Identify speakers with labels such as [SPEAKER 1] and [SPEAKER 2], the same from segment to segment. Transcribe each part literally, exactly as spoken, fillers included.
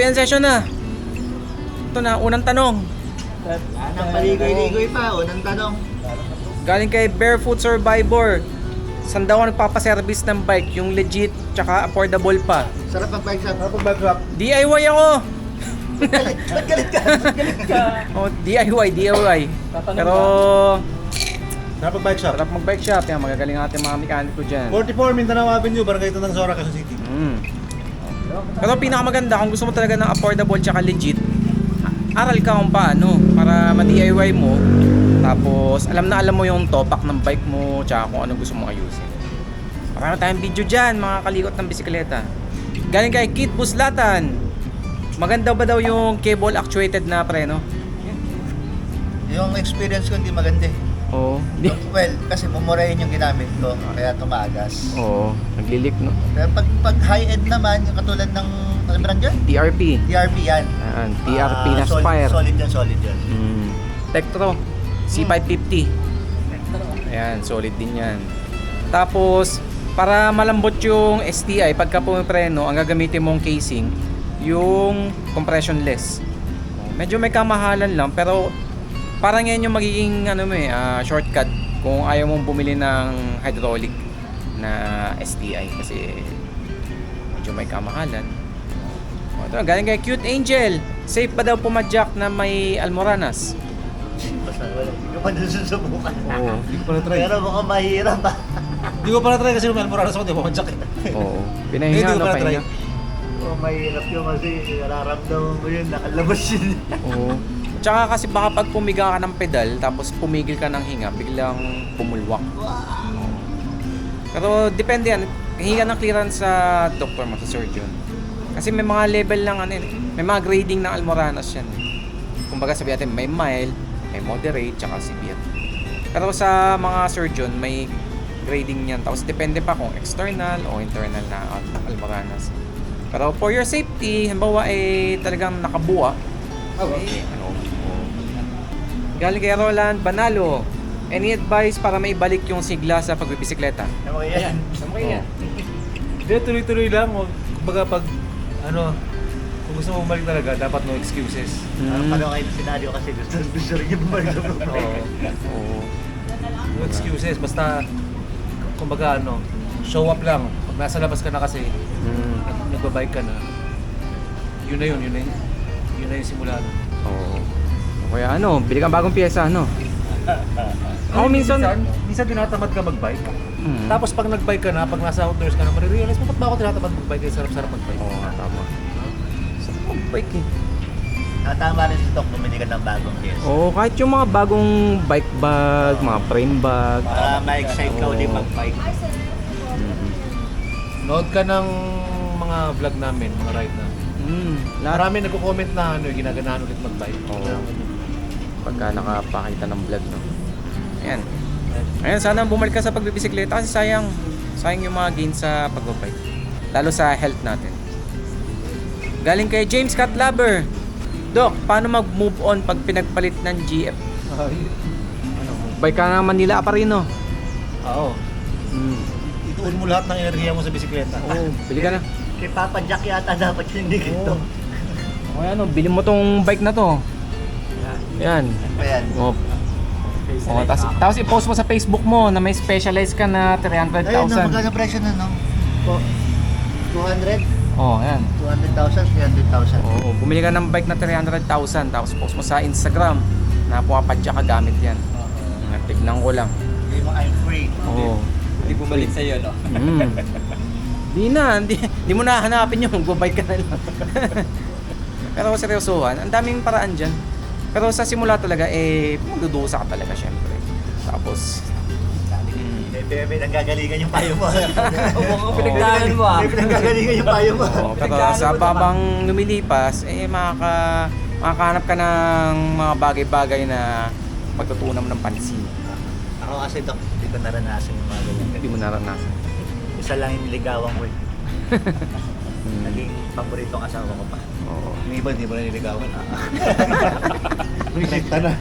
[SPEAKER 1] Q and A session na. Ito na, unang tanong.
[SPEAKER 2] Nang paligoy-ligoy pa, unang tanong.
[SPEAKER 1] Galing kay Barefoot Survivor. Saan daw ang nagpapaservice ng bike? Yung legit, tsaka affordable pa.
[SPEAKER 2] Sarap ang bike shop. Sarap ang bike shop.
[SPEAKER 1] D I Y ako!
[SPEAKER 2] Galit, ba't galit ka? Ba't galit ka?
[SPEAKER 1] Oh, D I Y, D I Y. Pero,
[SPEAKER 3] Sarap ang bike shop.
[SPEAKER 1] sarap mag-bike shop. Yan, magagaling natin mga mekaniko dyan.
[SPEAKER 3] forty-four Mindanao Avenue, Barangay Tandang Sora, Quezon City.
[SPEAKER 1] Mm. Pero pinakamaganda, kung gusto mo talaga ng affordable tsaka legit, aral ka kung paano para ma-D I Y mo. Tapos alam na alam mo yung topak ng bike mo tsaka kung anong gusto mong ayusin. Marami tayong video dyan, mga kalikot ng bisikleta. Galing kay Kit Buslatan. Maganda ba daw yung cable actuated na preno?
[SPEAKER 2] Yung experience ko hindi maganda eh.
[SPEAKER 1] Oo.
[SPEAKER 2] Well, kasi mumurahin yung ginamit ko, kaya tumagas.
[SPEAKER 1] Oo, naglilik no.
[SPEAKER 2] Pero pag, pag high-end naman, yung katulad ng, ano brand yan?
[SPEAKER 1] T R P.
[SPEAKER 2] T R P yan.
[SPEAKER 1] Ayan, T R P
[SPEAKER 2] Ah,
[SPEAKER 1] na
[SPEAKER 2] solid,
[SPEAKER 1] Spire.
[SPEAKER 2] Solid yan, solid yan.
[SPEAKER 1] Mm. Tektro C five fifty. Ayan, solid din yan. Tapos, para malambot yung S T I, pagka pumipreno, ang gagamitin mong casing, yung compressionless. Medyo may kamahalan lang, pero parang yan yung magiging ano mo eh, ah, shortcut kung ayaw mong bumili ng hydraulic na S T I kasi medyo may kamahalan. O, ito, galing kay Cute Angel. Safe ba daw pumadyak na may almoranas?
[SPEAKER 2] Basta wala, hindi ko pa nasusubukan.
[SPEAKER 1] Oo.
[SPEAKER 3] Hindi ko pa na-try.
[SPEAKER 2] Pero mukhang mahirap ah.
[SPEAKER 3] Hindi ko pa na-try kasi may almoranas ako, di ba madyak eh.
[SPEAKER 1] Oo.
[SPEAKER 3] Hindi
[SPEAKER 1] Pinahinga,
[SPEAKER 3] ko
[SPEAKER 1] no?
[SPEAKER 3] pa na-try.
[SPEAKER 1] Pahinga.
[SPEAKER 2] Mukhang mahirap yun kasi nararamdaman mo yun, nakalabas yun.
[SPEAKER 1] Oo. Tsaka kasi baka pag pumiga ka ng pedal, tapos pumigil ka ng hinga, biglang pumulwak. Pero depende yan. Hinga ng clearance sa doktor mo, sa surgeon. Kasi may mga level lang, ano, yun, may mga grading ng almoranas yan. Kumbaga sabi natin, may mild, may moderate, tsaka severe. Pero sa mga surgeon, may grading yan. Tapos depende pa kung external o internal na almoranas. Pero for your safety, halimbawa eh talagang nakabuwa, eh, ano, oh. Galing kay Roland Banalo, any advice para maibalik yung sigla sa pagbibisikleta?
[SPEAKER 2] Ano kaya yan?
[SPEAKER 1] Sama kayo yan.
[SPEAKER 3] Hindi, tuloy-tuloy lang. O, kumbaga pag, ano, kung gusto mo bumalik talaga, dapat no excuses.
[SPEAKER 2] Parang pala kayo senaryo kasi gusto, gusto rin yung bumalik sa problema.
[SPEAKER 3] Oo.
[SPEAKER 1] Oo.
[SPEAKER 3] No excuses, basta, kumbaga ano, show up lang. Pag nasa labas ka na kasi,
[SPEAKER 1] Mm.
[SPEAKER 3] nag- nagbabike ka na, yun na yun, yun na yun. Yun na yung simula. no?
[SPEAKER 1] Oo. O kaya ano, bili kang bagong pyesa, ano? Ako minsan,
[SPEAKER 3] minsan tinatamad ka magbike.
[SPEAKER 1] Mm.
[SPEAKER 3] Tapos pag nagbike ka na, pag nasa outdoors ka na, marirealize mo, ba't ba ako tinatamad magbike? Kaya sarap-sarap magbike.
[SPEAKER 1] Oo nga, tama. Sarap mag-bike eh.
[SPEAKER 2] Ah, tama rin si Doc, bumili ka ng bagong case.
[SPEAKER 1] Oo, kahit yung mga bagong bike bag, mga frame bag.
[SPEAKER 2] Para ma-excite ka
[SPEAKER 1] Oo.
[SPEAKER 2] ulit mag-bike.
[SPEAKER 1] Mm.
[SPEAKER 3] Nood ka ng mga vlog namin, mga ride namin.
[SPEAKER 1] Mm. Lahat.
[SPEAKER 3] Marami nagko-comment na ano, ginaganahan ulit mag-bike.
[SPEAKER 1] Oo. Pagka nakapakita ng vlog, no? Ayan. Ayan, sana bumalik ka sa pagbibisikleta kasi sayang. Sayang yung mga gains sa pagbabike. Lalo sa health natin. Galing kay James Catlaber. Doc, paano mag-move on pag pinagpalit ng G F?
[SPEAKER 3] Ay, ano,
[SPEAKER 1] Bike ka ng Manila Aparino.
[SPEAKER 3] oo.
[SPEAKER 1] Mm.
[SPEAKER 3] Ituon mo lahat ng enerhiya mo sa bisikleta.
[SPEAKER 1] Oo, bili ka na.
[SPEAKER 2] Kay Papa Jack yata dapat yung hindi
[SPEAKER 3] Oo.
[SPEAKER 2] ito.
[SPEAKER 1] O ano, bili mo tong bike na to. Yan.
[SPEAKER 2] Ayan.
[SPEAKER 1] O, o tapos, tapos i-post mo sa Facebook mo na may specialized ka na three hundred
[SPEAKER 2] Ayun, no,
[SPEAKER 1] thousand.
[SPEAKER 2] magkano presyo na, no? Po, two hundred?
[SPEAKER 1] Oh, yan.
[SPEAKER 2] two hundred thousand, three hundred thousand.
[SPEAKER 1] Oo, bumili ka ng bike na three hundred thousand tapos post mo sa Instagram na pumapadya ka gamit yan. Uh, tignan ko lang.
[SPEAKER 2] Hindi mo, I'm free.
[SPEAKER 1] Oo.
[SPEAKER 4] Hindi bumalik sa'yo, no?
[SPEAKER 1] Mm. Di na, di, di mo na hanapin yung magbabike ka na lang. Pero seryosohan, ang daming paraan dyan. Pero sa simula talaga, eh, magdudusa ka talaga syempre. Tapos, mm,
[SPEAKER 2] May, may nanggagalingan yung payo mo.
[SPEAKER 4] Mukhang pinagdaanan mo, ah.
[SPEAKER 2] May pinanggagalingan yung payo mo.
[SPEAKER 1] oo, pero sa babang lumilipas, eh, makaka, makakahanap ka ng mga bagay-bagay na magtutunan mo ng pansin.
[SPEAKER 2] Ako kasi, Doc, hindi ko naranasan yung mga ganyan.
[SPEAKER 1] Hindi mo naranasan.
[SPEAKER 2] Isa lang yung niligawan ko eh.
[SPEAKER 1] Mm.
[SPEAKER 2] Naging paboritong asawa ko pa.
[SPEAKER 1] Oo.
[SPEAKER 3] Yung iba, hindi mo na niligawan. Rejecta na.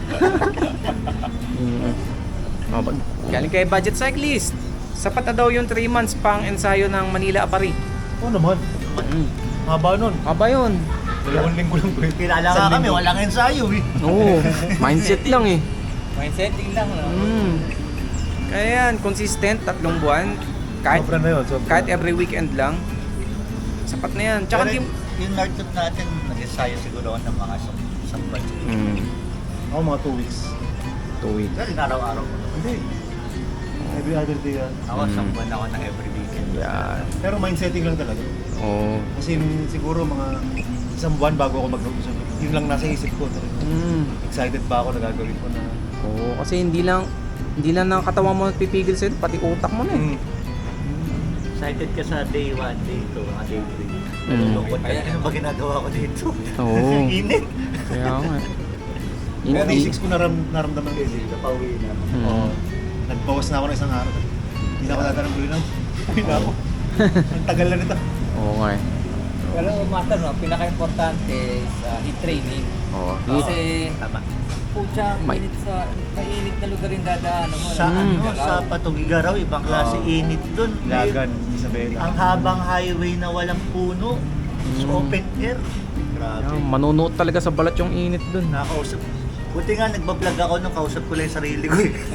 [SPEAKER 1] Mm. Oh, bag- galing kay Budget Cyclist. Sapat na daw yung three months pang ensayo ng Manila Apari.
[SPEAKER 3] Oo naman.
[SPEAKER 1] Mm.
[SPEAKER 3] Haba nun.
[SPEAKER 1] Aba yun.
[SPEAKER 3] Dalawang linggo lang po yun.
[SPEAKER 2] Kilala
[SPEAKER 3] Isang
[SPEAKER 2] nga kami,
[SPEAKER 3] linggo.
[SPEAKER 2] walang ensayo eh.
[SPEAKER 1] Oo, mindset lang eh.
[SPEAKER 4] Mindsetting lang, no?
[SPEAKER 1] Mm. Kaya yan, consistent, tatlong buwan. Kahit,
[SPEAKER 3] Sobra na yun, sobra.
[SPEAKER 1] kahit every weekend lang. Sapat na yan. Tsaka
[SPEAKER 2] Pero
[SPEAKER 1] di...
[SPEAKER 2] yung nartut natin, nag-ensayo siguro ako ng mga isang, isang batch.
[SPEAKER 1] Mm.
[SPEAKER 3] Ako mga two weeks.
[SPEAKER 1] Two weeks.
[SPEAKER 2] Pero araw-araw ko.
[SPEAKER 3] Hindi. Every other day yan.
[SPEAKER 2] Ako,
[SPEAKER 1] Mm.
[SPEAKER 2] isang buwan ako ng every weekend.
[SPEAKER 1] Yan.
[SPEAKER 3] Pero mindsetting lang talaga.
[SPEAKER 1] Oo.
[SPEAKER 3] Kasi yung siguro mga isang buwan bago ako mag-usap. Yun lang nasa isip ko talaga.
[SPEAKER 1] Mm.
[SPEAKER 3] Excited pa ako na gagawin ko na.
[SPEAKER 1] Oo, kasi hindi lang hindi lang ng katawan mo pipigil sa'yo, pati utak mo na eh.
[SPEAKER 3] Mm.
[SPEAKER 2] Excited ka sa day one, day two, mga day three.
[SPEAKER 1] Mm.
[SPEAKER 2] Nalulungkot ka. Ano ba ginagawa ko dito?
[SPEAKER 1] Oo.
[SPEAKER 2] Init.
[SPEAKER 1] Kaya nga.
[SPEAKER 3] Pero
[SPEAKER 1] Hindi.
[SPEAKER 3] basics ko naram, naramdaman ko
[SPEAKER 2] Kasi
[SPEAKER 3] yun.
[SPEAKER 2] napauwi na.
[SPEAKER 1] Mm.
[SPEAKER 3] Oo. Nagbawas na ako ng isang araw. Hindi na ako tatanong ulit na. Uwi na ako. Ang tagal na nito.
[SPEAKER 1] Oo nga eh.
[SPEAKER 4] Pero matter, no? Pinaka-importante sa heat training.
[SPEAKER 1] Oo.
[SPEAKER 4] Kasi,
[SPEAKER 2] Tama.
[SPEAKER 4] pucha,
[SPEAKER 1] May-
[SPEAKER 4] mainit sa, mainit na lugar yung dadaanan mo.
[SPEAKER 2] Sa
[SPEAKER 1] Mm.
[SPEAKER 2] ano, sa Patugigaraw, ibang klase
[SPEAKER 3] Oo.
[SPEAKER 2] init dun.
[SPEAKER 3] Ilagan, Isabela.
[SPEAKER 2] Ang habang highway na walang puno, it's
[SPEAKER 1] Mm.
[SPEAKER 2] open air. Grabe.
[SPEAKER 1] Yan, manunuot talaga sa balat yung init dun.
[SPEAKER 2] Nakausap. Buti nga nagbablog ako nung kausap ko lang yung sarili ko eh.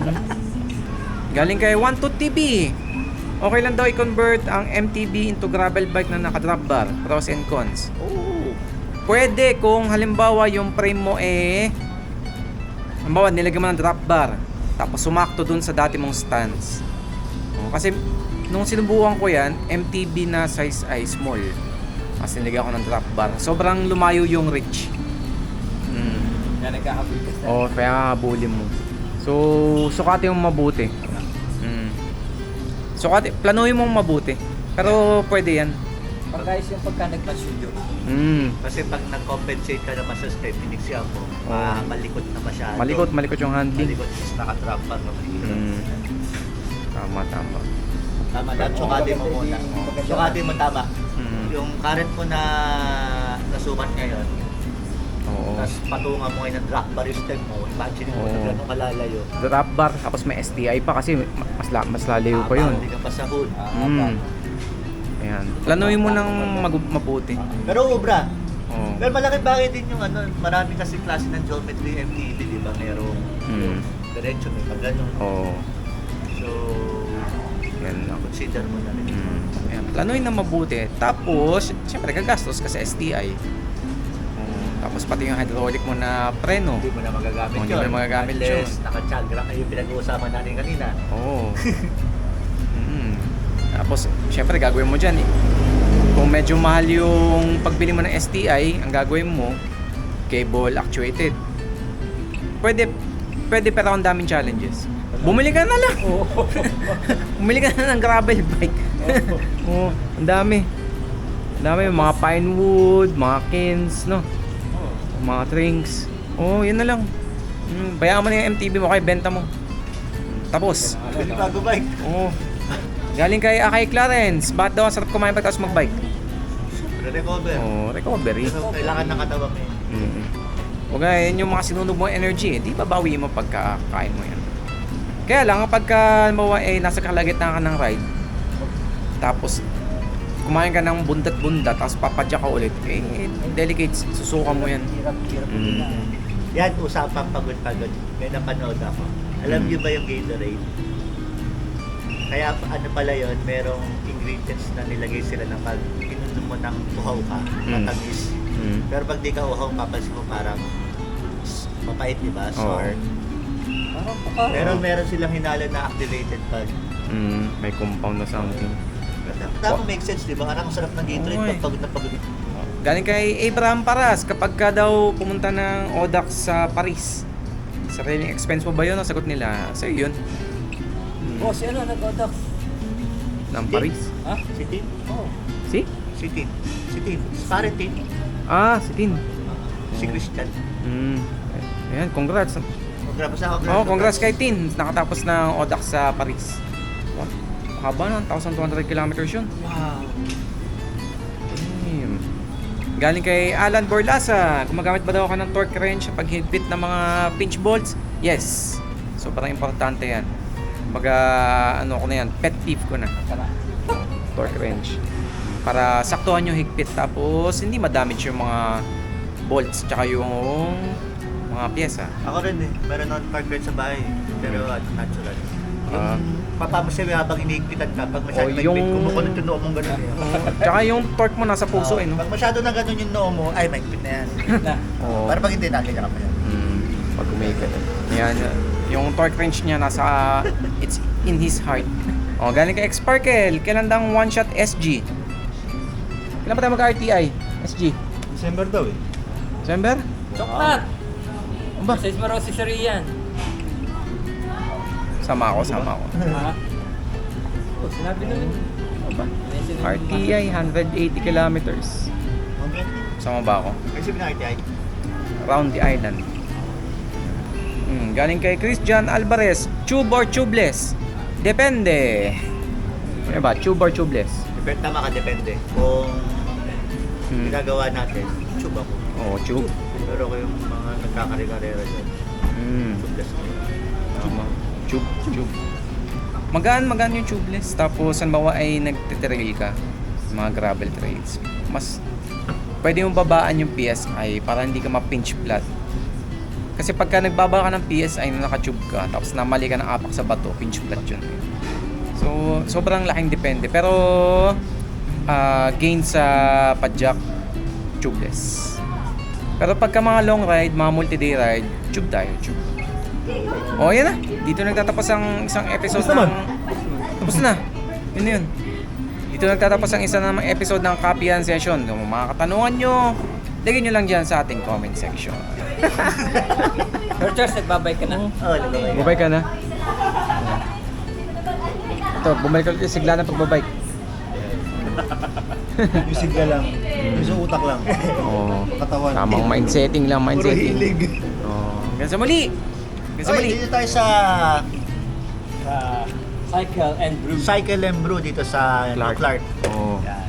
[SPEAKER 1] Galing kay one two T V. Okay lang daw i-convert ang M T B into gravel bike na naka-drop bar. Pros and cons.
[SPEAKER 2] Oo.
[SPEAKER 1] Pwede kung halimbawa yung frame mo eh halimbawa nilagyan mo ng drop bar tapos sumakto dun sa dati mong stance. Oh, kasi nung sinubukan ko yan, M T B na size ay small. Mas nilagyan ko ng drop bar. Sobrang lumayo yung reach. Mm.
[SPEAKER 4] Yan, nagkakabul ka sa...
[SPEAKER 1] Oh, kaya habulin mo. So, sukati mong mabuti. Mm. Sukati, planuhin mong mabuti. Pero pwede yan.
[SPEAKER 4] Pagkais yung pagka nagpa-studio.
[SPEAKER 1] Mm.
[SPEAKER 2] Kasi pag nag-compensate ka naman sa step, piniksi ako,
[SPEAKER 1] Oo.
[SPEAKER 2] malikot na masyado.
[SPEAKER 1] Malikot, malikot yung handling.
[SPEAKER 2] Malikot, is naka-trap pa. No?
[SPEAKER 1] Mm. Tama, tama.
[SPEAKER 2] Tama, dapat sukatin mo muna. Sukatin mo tama.
[SPEAKER 1] Mm.
[SPEAKER 2] Yung current mo na nasukat ngayon,
[SPEAKER 1] Oo.
[SPEAKER 2] tapos patungan mo ngayon ng drop bar yung step mo, imagine mo
[SPEAKER 1] Oo.
[SPEAKER 2] na gano'ng kalalayo.
[SPEAKER 1] Drop bar, tapos may S T I pa kasi mas, la, mas lalayo pa yun.
[SPEAKER 2] Hindi ka pa sa hood.
[SPEAKER 1] Mm. Ayan. Planuhin mo ng mag- mabuti.
[SPEAKER 2] Pero ubra,
[SPEAKER 1] Oo.
[SPEAKER 2] pero malaki bagay din yung ano, marami kasi klase ng geometry M T B, di ba? Merong
[SPEAKER 1] Mm.
[SPEAKER 2] diretso, may pag ganun.
[SPEAKER 1] Oo.
[SPEAKER 2] So,
[SPEAKER 1] Yan lang.
[SPEAKER 2] consider mo na rin.
[SPEAKER 1] Mm. Ayan. Planuhin na mabuti. Tapos, syempre, gagastos ka sa S T I. Oo. Tapos pati yung hydraulic mo na preno.
[SPEAKER 2] Hindi mo na magagamit
[SPEAKER 1] Oh,
[SPEAKER 2] yun.
[SPEAKER 1] hindi mo na magagamit
[SPEAKER 2] Unless
[SPEAKER 1] yun.
[SPEAKER 2] naka-chagra kayo pinag-uusapan natin kanina.
[SPEAKER 1] Oo. Mm. Tapos, syempre, gagawin mo dyan eh. Kung medyo mahal yung pagbili mo ng S T I, ang gagawin mo, cable actuated. Pwede, pwede pero ang daming challenges. Bumili ka na lang. Bumili ka na ng gravel bike. Oo, ang dami. Ang dami, mga pine wood, mga kins, no? Mga trinks. Oo, yun na lang. Mm, bayaan mo na yung M T B mo, kaya benta mo. Tapos.
[SPEAKER 2] Pwede bago bike.
[SPEAKER 1] Oo. Galing kay Akay Clarence. Bakit daw ang sarap kumain pagkatapos magbike?
[SPEAKER 2] Recover.
[SPEAKER 1] Oo, recovery.
[SPEAKER 2] Pero kailangan ng katawan mo yun.
[SPEAKER 1] Mm. Huwag nga, yun yung mga sinunog mo energy eh. Di babawi mo pagkakain mo yan. Kaya lang, kapag ka, mawa, eh, nasa kalagitnaan ka ng ride, tapos kumain ka ng bundat-bundat, tapos papadya ka ulit, eh, delicate, susuka mo yan.
[SPEAKER 4] Hirap, hirap.
[SPEAKER 1] Mm.
[SPEAKER 2] Yan, usapang pagod-pagod. May napanood ako. Alam
[SPEAKER 1] Hmm.
[SPEAKER 2] niyo ba yung Gatorade? Kaya ano pala yun, merong ingredients na nilagay sila na pag inunom mo ng uhaw ka,
[SPEAKER 1] Hmm.
[SPEAKER 2] matamis.
[SPEAKER 1] Mm.
[SPEAKER 2] Pero pag di ka uhaw, papansin mo parang s- mapait, di ba?
[SPEAKER 1] Oo.
[SPEAKER 2] Sour.
[SPEAKER 4] Parang paka...
[SPEAKER 2] Pero meron silang hinalo na activated pag
[SPEAKER 1] Mm. May compound na something.
[SPEAKER 2] Tama, make sense, di ba? Parang ang sarap ng Gatorade
[SPEAKER 1] Oo, eh.
[SPEAKER 2] pag pagod na pagod.
[SPEAKER 1] Galing kay Abraham Paras, kapag ka daw pumunta ng Audax sa Paris, sariling expense mo ba yun? Ang sagot nila, sa'yo yun. Mm.
[SPEAKER 4] Oh, si ano, nag-odox.
[SPEAKER 1] Ng Paris.
[SPEAKER 4] Ha?
[SPEAKER 2] Si Tin?
[SPEAKER 4] Oh.
[SPEAKER 1] Si?
[SPEAKER 2] Si Tin. Si Tin. Si parang Tin.
[SPEAKER 1] Ah, si Tin.
[SPEAKER 2] Si Christian.
[SPEAKER 1] Mm. Ayan, congrats.
[SPEAKER 2] Congrats ako.
[SPEAKER 1] Oh, congrats kay Tin. Nakatapos ng Audax sa Paris. Wow. Haba na, one thousand two hundred kilometers yun.
[SPEAKER 2] Wow.
[SPEAKER 1] Damn. Galing kay Alan Borlasa, gumagamit ba daw ako ng torque wrench sa paghigpit ng mga pinch bolts? Yes. Sobrang importante yan. Baga, ano ko na yan, pet peeve ko na.
[SPEAKER 4] Tara.
[SPEAKER 1] Torque wrench. para saktuhan yung higpit tapos hindi ma-damage yung mga bolts tsaka yung mga pyesa.
[SPEAKER 2] Ako rin eh, meron akong torque wrench sa bahay. Pero ano, natural.
[SPEAKER 1] Ah.
[SPEAKER 2] Papamasaya habang inihigpitan ka. Pag masyado
[SPEAKER 1] O,
[SPEAKER 2] may
[SPEAKER 1] yung-
[SPEAKER 2] higpit, kumukulot yung noo mong gano'n eh.
[SPEAKER 1] Tsaka yung torque mo nasa puso eh, no?
[SPEAKER 2] Pag masyado na gano'n yung noo mo, ay may higpit na yan.
[SPEAKER 4] Na.
[SPEAKER 1] Oo.
[SPEAKER 2] Para pag hindi, nakita ka pa yan.
[SPEAKER 1] Mm, pag umikot. Yan, yung torque wrench niya nasa, it's in his heart. O, galing kay X-Sparkle. Kailan daw ang One Shot S G? Kailan pa tayo mag-R T I? S G?
[SPEAKER 3] December daw eh.
[SPEAKER 1] December?
[SPEAKER 4] Choklat!
[SPEAKER 1] Ano ba?
[SPEAKER 4] Sa Ismarosi Sarian.
[SPEAKER 1] Sama ako, sama ako.
[SPEAKER 4] Ha? Oh, sinabi na rin.
[SPEAKER 1] Ano ba? R T I, one hundred eighty kilometers.
[SPEAKER 2] Okay.
[SPEAKER 1] Sama ba ako?
[SPEAKER 2] Ay, sabi na R T I.
[SPEAKER 1] Round the island. Hmm, galing kay Christian Alvarez. Tube or tubeless? Depende. Ano ba? Tube or tubeless?
[SPEAKER 2] Depende, tama ka, depende. Kung
[SPEAKER 1] Hmm.
[SPEAKER 2] ginagawa natin, tube ako.
[SPEAKER 1] Oo, tube.
[SPEAKER 2] Pero kung yung mga nagkakari-karera dyan,
[SPEAKER 1] Hmm.
[SPEAKER 2] tubeless ako.
[SPEAKER 1] Tama. Tube, tube. Magaan, magaan yung tubeless. Tapos, halimbawa ay nagtitrail ka, mga gravel trails. Mas, pwede mong babaan yung P S I para hindi ka ma-pinch flat. Kasi pagka nagbaba ka ng P S I na naka-tube ka, tapos namali ka ng apak sa bato, pinch flat yun. So, sobrang laking depende. Pero, ah, gain sa padjak, tubeless. Pero pagka mga long ride, mga multi-day ride, tube tayo, tube. O, yan na. Dito nagtatapos ang isang episode
[SPEAKER 3] Tapos naman.
[SPEAKER 1] ng... Tapos na. Yun na yun. Dito nagtatapos ang isa namang episode ng Copyan Session. Kung mga katanungan nyo, lagyan nyo lang dyan sa ating comment section.
[SPEAKER 4] Sir Charles, nagbabay ka na.
[SPEAKER 2] Oo, oh, nagkakaya.
[SPEAKER 1] Bumabay ka na. Ito, bumalik ulit yung sigla ng pagbabike.
[SPEAKER 3] Yung sigla lang. Yung sa utak lang.
[SPEAKER 1] Oo.
[SPEAKER 3] Katawan.
[SPEAKER 1] Tamang mindsetting lang,
[SPEAKER 2] Puro
[SPEAKER 1] mindsetting.
[SPEAKER 2] hilig.
[SPEAKER 1] Oo. Hanggang sa muli! Hanggang sa
[SPEAKER 2] Oy,
[SPEAKER 1] muli!
[SPEAKER 2] dito tayo sa
[SPEAKER 4] Sa Cycle and Brew.
[SPEAKER 2] Cycle and Brew dito sa
[SPEAKER 1] Clark.
[SPEAKER 2] Clark.
[SPEAKER 1] Oo.
[SPEAKER 2] Yan.